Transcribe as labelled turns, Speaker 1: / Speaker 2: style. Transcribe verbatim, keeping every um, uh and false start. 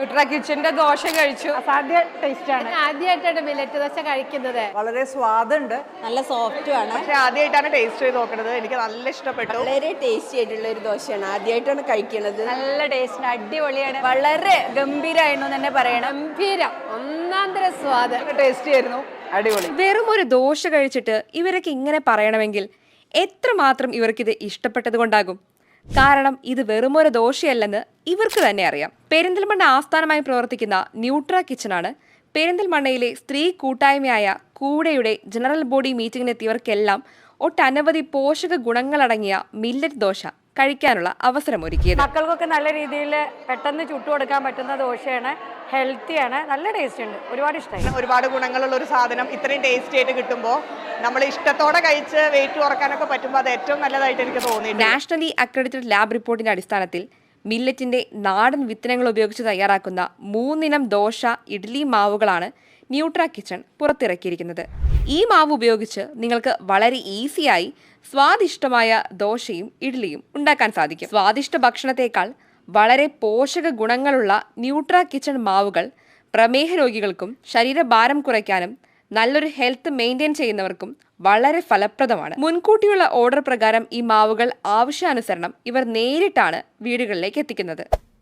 Speaker 1: ന്യൂട്രാ കിച്ചന്റെ ദോശ കഴിച്ചു.
Speaker 2: അസാധ്യ ടേസ്റ്റ് ആണ്.
Speaker 3: ആദ്യമായിട്ടാണ് മില്ലറ്റ് ദോശ കഴിക്കുന്നത്.
Speaker 2: വളരെ സ്വാദുണ്ട്,
Speaker 4: നല്ല സോഫ്റ്റും ആണ്.
Speaker 1: പക്ഷെ ആദ്യമായിട്ടാണ് ടേസ്റ്റ് ചെയ്ത് നോക്കുന്നത്. എനിക്ക് നല്ല ഇഷ്ടപ്പെട്ടു.
Speaker 4: വളരെ ടേസ്റ്റി ആയിട്ടുള്ള ഒരു ദോശയാണ്, ആദ്യമായിട്ടാണ് കഴിക്കുന്നത്.
Speaker 2: നല്ല ടേസ്റ്റ്, അടിപൊളിയാണ്, വളരെ ഗംഭീരമായിരുന്നു തന്നെ പറയണം.
Speaker 3: ഗംഭീരം, ഒന്നാന്തര സ്വാദ്,
Speaker 2: ടേസ്റ്റി ആയിരുന്നു, അടിപൊളി.
Speaker 5: വെറും ഒരു ദോശ കഴിച്ചിട്ട് ഇവരൊക്കെ ഇങ്ങനെ പറയണമെങ്കിൽ എത്രമാത്രം ഇവർക്കിത് ഇഷ്ടപ്പെട്ടത് കൊണ്ടാകും. കാരണം ഇത് വെറുമൊരു ദോശയല്ലെന്ന് ഇവർക്ക് തന്നെ അറിയാം. പെരിന്തൽമണ്ണ ആസ്ഥാനമായി പ്രവർത്തിക്കുന്ന ന്യൂട്രാ കിച്ചണാണ് പെരിന്തൽമണ്ണയിലെ സ്ത്രീ കൂട്ടായ്മയായ കൂടെയുടെ ജനറൽ ബോഡി മീറ്റിംഗിനെത്തിയവർക്കെല്ലാം ഒട്ടനവധി പോഷക ഗുണങ്ങളടങ്ങിയ മില്ലറ്റ് ദോശ കഴിക്കാനുള്ള അവസരമൊരുക്കിയത്.
Speaker 2: മക്കൾക്കൊക്കെ നല്ല രീതിയിൽ പെട്ടെന്ന് ചുട്ടുകൊടുക്കാൻ പറ്റുന്ന ദോശയാണ്, ഹെൽത്തിയാണ്, നല്ല ടേസ്റ്റ് ഉണ്ട്, ഒരുപാട് ഇഷ്ടമായി.
Speaker 1: ഒരുപാട് ഗുണങ്ങളുള്ള ഒരു സാധനം ഇത്രയും ടേസ്റ്റി ആയിട്ട് കിട്ടുമ്പോൾ നമ്മൾ ഇഷ്ടത്തോടെ കഴിച്ച് വെയിറ്റ് കുറക്കാനൊക്കെ പറ്റുമ്പോൾ അത് ഏറ്റവും നല്ലതായിട്ട് എനിക്ക് തോന്നിയിട്ടുണ്ട്.
Speaker 5: നാഷണലി അക്രഡിറ്റഡ് ലാബ് റിപ്പോർട്ടിന്റെ അടിസ്ഥാനത്തിൽ മില്ലറ്റിന്റെ നാടൻ വിത്തനങ്ങൾ ഉപയോഗിച്ച് തയ്യാറാക്കുന്ന മൂന്നിനം ദോശ ഇഡ്ഡലി മാവുകളാണ് ന്യൂട്രാ കിച്ചൺ പുറത്തിറക്കിയിരിക്കുന്നത്. ഈ മാവ് ഉപയോഗിച്ച് നിങ്ങൾക്ക് വളരെ ഈസിയായി സ്വാദിഷ്ടമായ ദോശയും ഇഡ്ഡലിയും ഉണ്ടാക്കാൻ സാധിക്കും. സ്വാദിഷ്ട ഭക്ഷണത്തേക്കാൾ വളരെ പോഷക ഗുണങ്ങളുള്ള ന്യൂട്രാ കിച്ചൺ മാവുകൾ പ്രമേഹ രോഗികൾക്കും ശരീരഭാരം കുറയ്ക്കാനും നല്ലൊരു ഹെൽത്ത് മെയിൻറ്റെയിൻ ചെയ്യുന്നവർക്കും വളരെ ഫലപ്രദമാണ്. മുൻകൂട്ടിയുള്ള ഓർഡർ പ്രകാരം ഈ മാവുകൾ ആവശ്യാനുസരണം ഇവർ നേരിട്ടാണ് വീടുകളിലേക്ക് എത്തിക്കുന്നത്.